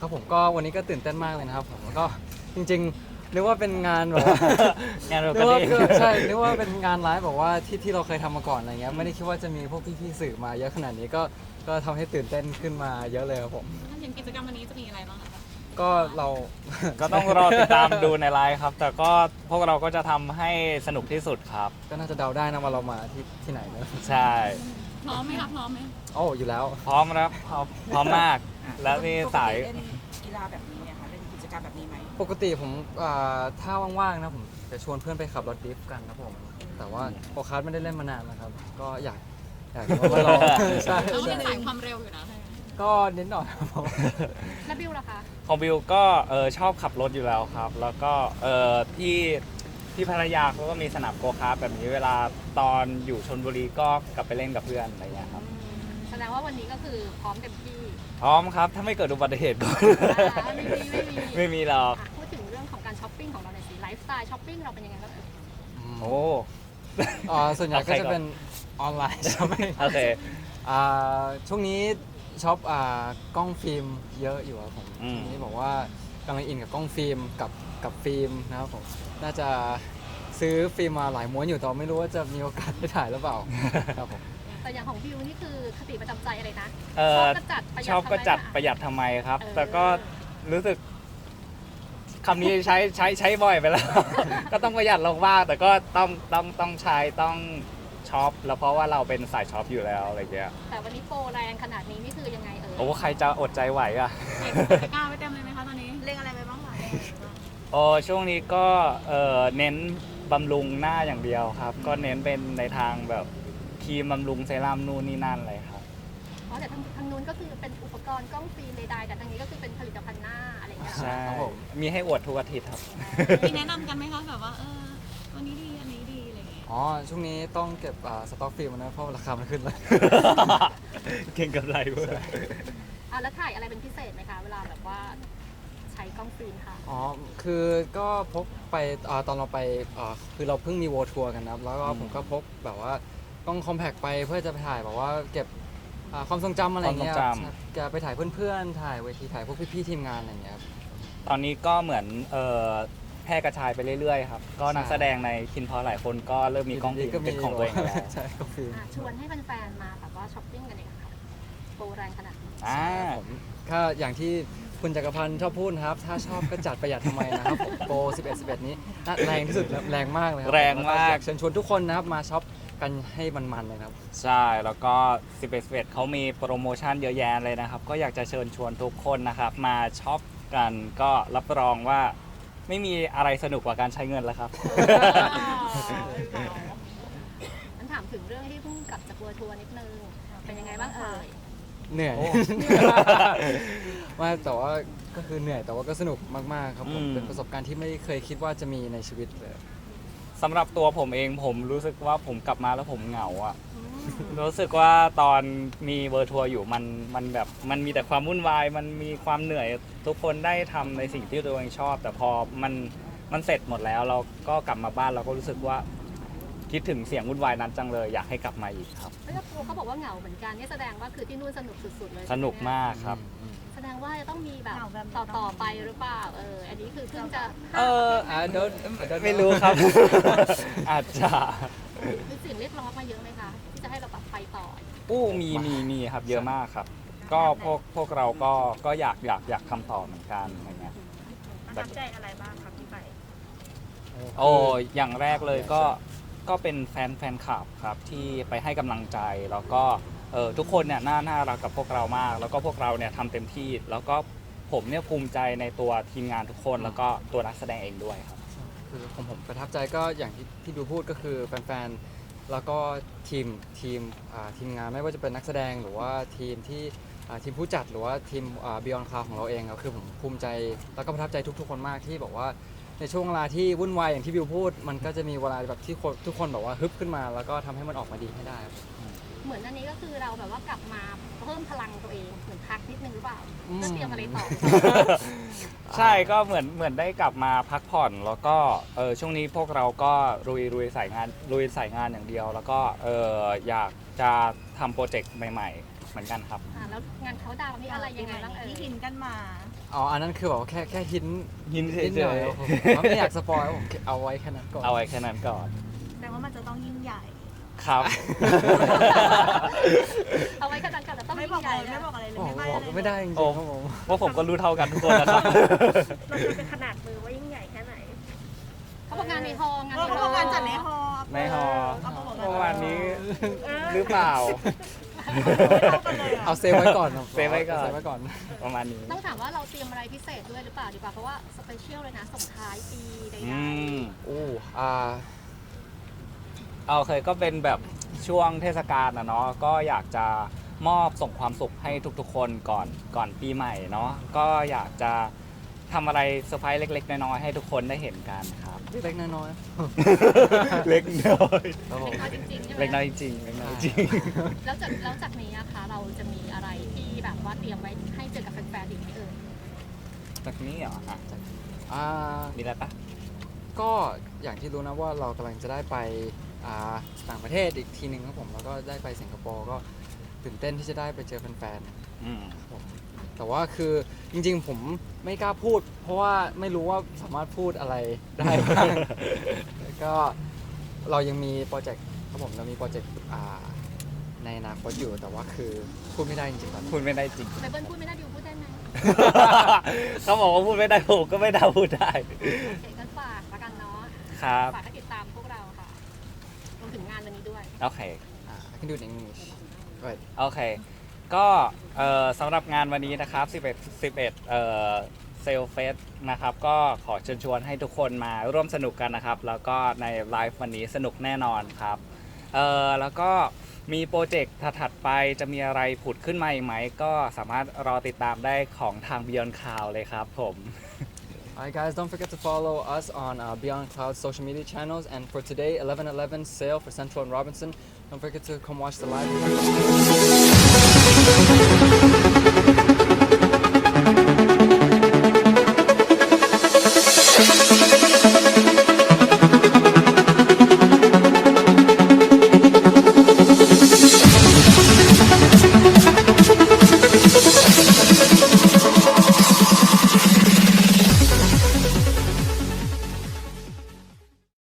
ครับผมก็วันนี้ก็ตื่นเต้นมากเลยนะครับผมก็จริงๆนึกว่าเป็นงานแบบว่างานเรานึก็กว่าดีใช่นึกว่าเป็นงานไลฟ์แบบว่าที่เราเคยทำมาก่อนอะไรเงี้ยไม่ได้คิดว่าจะมีพวกพี่ๆสื่อมาเยอะขนาดนี้ก็ทำให้ตื่นเต้นขึ้นมาเยอะเลยครับผมอย่างกิจกรรมวันนี้จะมีอะไรบ้างคะก็เราก็ต้องรอติดตามดูในไลฟ์ครับ แต่ก็พวกเราก็จะทำให้สนุกที่สุดครับก็น่าจะเดาได้นะว่าเรามาที่ไหนเนอะใช่พร้อมไหมครับพร้อมไหมโอ้อยู่แล้วพร้อมครับพร้อมมาก แล้วมีสายเล่นกีฬาแบบนี้เนี่ยค่ะเล่นกิจกรรมแบบนี้ไหมปกติผมถ้าว่างๆนะผมจะชวนเพื่อนไปขับรถดริฟต์กันนะผมแต่ว่าโอคาร์ดไม่ได้เล่นมานานแล้วครับก็อยากมาลอง ใช่เราใช่เป็นสายความเร็วอยู่นะก็นิดหน่อยครับผมแล้วบิวล่ะคะของบิวก็ชอบขับรถอยู่แล้วครับ แล้วก็ที่พัทยาเขาก็มีสนามโกคาร์ทแบบนี้เวลาตอนอยู่ชลบุรีก็กลับไปเล่นกับเพื่อนอะไรอย่างเงี้ยครับแสดงว่าวันนี้ก็คือพร้อมเต็มที่พร้อมครับถ้าไม่เกิดอุบัติเหตุก็ ไม่มีหรอกพูดถึงเรื่องของการช้อปปิ้งของเราหน่อยสิไลฟ์สไตล์ช้อปปิ้งเราเป็นยังไงบ้างเอ่ยโอ้ส่วนใหญ่ก็จะเป็นออนไลน์ใช่ไหมโอเคช่วงนี้ช็อปกล้องฟิล์มเยอะอยู่ครับผมอืมช่วงนี้บอกว่ากำลังอินกับกล้องฟิล์มกับฟิล์มนะครับผมน่าจะซื้อฟิล์มมาหลายม้วนอยู่แต่ไม่รู้ว่าจะมีโอกาสได้ถ่ายหรือเปล่าครับผมแต่อย่างของบิวนี่คือคติประจำใจอะไรนะเอ่อชอบก็จัดประหยัดชอบก็จัดประหยัดทำไมครับเออแต่ก็รู้สึกคำนี้ใช้บ่อยไปแล้ว ก็ต้องประหยัดลงบ้างแต่ก็ต้องใช้ต้องช็อปแล้วเพราะว่าเราเป็นสายช็อปอยู่แล้วอะไรเงี้ยแต่วันนี้โปรแรงขนาดนี้นี่คือยังไงเอ่ยโอ้ใครจะอดใจไหวอ่ะตะกร้าไว้เต็มเลยไหมคะตอนนี้เล่นอะไรไปบ้างคะโอ้ช่วงนี้ก็เน้นบำรุงหน้าอย่างเดียวครับ ก็เน้นเป็นในทางแบบครีมบำรุงเซรั่มนู่นนี่นั่นเลยครับอ๋อแต่ทางนู้นก็คือเป็นอุปกรณ์กล้องฟิล์มใดๆแต่ทางนี้ก็คือเป็นผลิตภัณฑ์หน้าอะไรอย่างเงี้ยใช่ครับผมมีให้อวดทุกอาทิตย์ครับมีแนะนำกันไหมคะแบบว่าวันนี้ดีอันนี้ดีอะไรอย่างเงี้ยอ๋อช่วงนี้ต้องเก็บสต็อกฟิล์มนะเพราะราคามันขึ้นเลยเก่งกับไรเว้ยแล้วถ่ายอะไรเป็นพิเศษไหมคะเวลาแบบว่าใช้กล้องฟิล์มค่ะอ๋อ คือก็พกไปตอนเราไปคือเราเพิ่งมีโวทัวร์กันนะครับ แล้วก็ผมก็พกแบบว่ากล้องคอมแพคไปเพื่อจะไปถ่ายแบบว่าเก็บความทรงจำอะไรเงี้ยความทรงจำครับจะไปถ่ายเพื่อนๆ ถ่ายเวทีถ่ายพวกพี่ๆทีมงานอะไรเงี้ยครับตอนนี้ก็เหมือนแพร่กระจายไปเรื่อยๆครับ ก็นักแสดงในคินพอหลายคนก็เริ่มมีกล้องฟิล์มเป็นของตัวเองแล้วใช่กล้องฟิล์มชวนให้แฟนๆมาแบบว่าช้อปปิ้งกันเองค่ะโปรแรงขนาดนี้อ่าผมก็อย่างที่คุณจักรพันธ์ชอบพูดนะครับ ถ้าชอบก็จัดประหยัดทำไมนะครับผมโปร11นี้น่าแรงที่สุดแล้วแรงมากเลยครัแรงมากอยเชิญชวนทุกคนนะครับมาช็อปกันให้มันๆเลยครับใช่ แล้วก็11เขามีโปรโมชั่นเยอะแยะเลยนะครับ ก็อยากจะเชิญชวนทุกคนนะครับ มาช็อปกันก็รับรองว่าไม่มีอะไรสนุกกว่าการใช้เงินแล้วครับงั้นถามถึงเรื่องที่เพิ่งกลับจากทัวร์นิดนึง เป็นยังไงบ้างเอ่ยเหนื่อยโอ้ว่าแต่ว่าก็คือเหนื่อยแต่ว่าก็สนุกมากๆครับผมอืมเป็นประสบการณ์ที่ไม่เคยคิดว่าจะมีในชีวิตเลยสำหรับตัวผมเองผมรู้สึกว่าผมกลับมาแล้วผมเหงาอะ รู้สึกว่าตอนมีเวอร์ทัวร์อยู่มันแบบมันมีแต่ความวุ่นวาย มันมีความเหนื่อยทุกคนได้ทำในสิ่งที่ตัวเองชอบ แต่พอมันเสร็จหมดแล้วเราก็กลับมาบ้านเราก็รู้สึกว่าคิดถึงเสียงวุ่นวายนั้นจังเลยอยากให้กลับมาอีกครับแล้วตัวเขาบอกว่าเหงาเหมือนกันนี่แสดงว่าคือที่นู่นสนุกสุดๆเลยสนุกมากครับแสดงว่าจะต้องมีแบบต่อไปหรือเปล่าอันนี้คือเพิ่งจะไม่รู้ครับ อาจจะมีเสิ่งเรียกร้องมาเยอะไหมคะที่จะให้เราแบบไปต่อมีครับเยอะมากครับ ก็พวกเราก็อยากทำต่อเหมือนกันอะไรเงี้ยประทับใจอะไรบ้างครับที่ไปโอ้อย่างแรกเลยก็เป็นแฟนคลับครับที่ไปให้กำลังใจแล้วก็ทุกคนเนี่ยน่ารักกับพวกเรามาก แล้วก็พวกเราเนี่ยทำเต็มที่ แล้วก็ผมเนี่ยภูมิใจในตัวทีมงานทุกคน แล้วก็ตัวนักแสดงเองด้วยครับคือผมประทับใจก็อย่างที่ดูพูดก็คือแฟนๆแล้วก็ทีมงานไม่ว่าจะเป็นนักแสดงหรือว่าทีมผู้จัดหรือว่าทีมBeyond Cloud ของเราเองครับคือผมภูมิใจแล้วก็ประทับใจทุกๆคนมากที่บอกว่าในช่วงเวลาที่วุ่นวายอย่างที่บิวพูด มันก็จะมีเวลาแบบที่ทุกคนแบบว่าฮึบขึ้นมา แล้วก็ทำให้มันออกมาดีให้ได้ครับเหมือนอันนี้ก็คือเราแบบว่ากลับมาเพิ่มพลังตัวเองเหมือนพักนิดนึงหรือเปล่าอืมเพื่อเตรียมอะไรต่อใช่ก็เหมือนได้กลับมาพักผ่อน แล้วก็ช่วงนี้พวกเราก็ลุยสายงานอย่างเดียว แล้วก็อยากจะทำโปรเจกต์ใหม่เหมือนกันครับแล้วงานเขาดาวน์มีอะไรยังไงบ้างเอ่ยที่หินกันมาอ๋ออันนั้นคือแบบว่าแค่หินหินเฉนิดหน่อยยผมไม่อยากสปอยผมเอาไว้แค่นั้นก่อนๆเอาไว้แค่นั้นก่อนแต่ว่ามันจะต้องยิ่งใหญ่ครับเอาไว้ขนาดกันแต่ต้องไม่ยิ่บอกงใหอะไรญ่ไม่บอกอะไรเลยโอ้โหไม่ใบ้บอกอะไรเลยไม่ได้จริงๆโอ้ครับผมว่าผมก็รู้เท่ากันทุกคนนะครับมันจะเป็นขนาดมือว่ายิ่งใหญ่แค่ไหนเขาบอกงานในฮอลล์งานเขาบอกการจัดในฮอในฮอเขาบอกเมื่อวานนี้หรือเปล่าเอาเซฟไว้ก่อนครับเซฟไว้ก่อนเซฟไว้ก่อนประมาณนี้ต้องถามว่าเราเตรียมอะไรพิเศษด้วยหรือเปล่าดีกว่าเพราะว่าสเปเชียลเลยนะส่งท้ายปีใดอืมโอ้เอาเคยก็เป็นแบบช่วงเทศกาลนะเนาะก็อยากจะมอบส่งความสุขให้ทุกๆคนก่อนปีใหม่เนาะก็อยากจะทำอะไรเซอร์ไพรส์เล็กๆน้อยๆให้ทุกคนได้เห็นกันครับเล็กๆน้อยเล็กน้อยๆครับผๆมเล็กน้อยจริงๆใช่ไหมเล็กน้อยจริงเล็กน้อยจริงแล้วจากนี้นะคะเราจะมีอะไรที่แบบว่าเตรียมไว้ให้เจอกับแฟนๆอีกไหมเอ่ยแบบนี้เหรออ่ะอ่ามีอะไรปะก็อย่างที่รู้นะว่าเรากำลังจะได้ไปต่างประเทศอีกทีหนึ่งครับผมแล้วก็ได้ไปสิงคโปร์ก็ตื่นเต้นที่จะได้ไปเจอแฟนๆอืมผมแต่ว่าคือจริงๆผมไม่กล้าพูด เพราะว่าไม่รู้ว่าสามารถพูดอะไรได้บ้าง แล้วก็เรายังมีโปรเจกต์ครับผมเรามีโปรเจกต์ในอนาคตอยู่แต่ว่าคือพูดไม่ได้จริงๆตอนนี้พูดไม่ได้จริงไบเบิลพูดไม่ได้ดิวพูดได้ไหมเขาบอกว่าพูดไม่ได้ผมก็ไม่ได้พูดได้โอเคกันฝากละกันเนาะครับฝากให้ติดตามพวกเราค่ะรวมถึงงานวันนี้ด้วยโอเค I can do it in English right โอเค ก็สำหรับงานวันนี้นะครับ11เซลเฟสนะครับ ก็ขอเชิญชวนให้ทุกคนมาร่วมสนุกกันนะครับ แล้วก็ในไลฟ์วันนี้สนุกแน่นอนครับแล้วก็มีโปรเจกต์ถัดๆไปจะมีอะไรผุดขึ้นมาอีกไหม ก็สามารถรอติดตามได้ของทาง Beyond Cloud เลยครับผม Alright guys, don't forget to follow us on Beyond Cloud social media channels. And for today, 11/11 sale for Central and Robinson. Don't forget to come watch the live.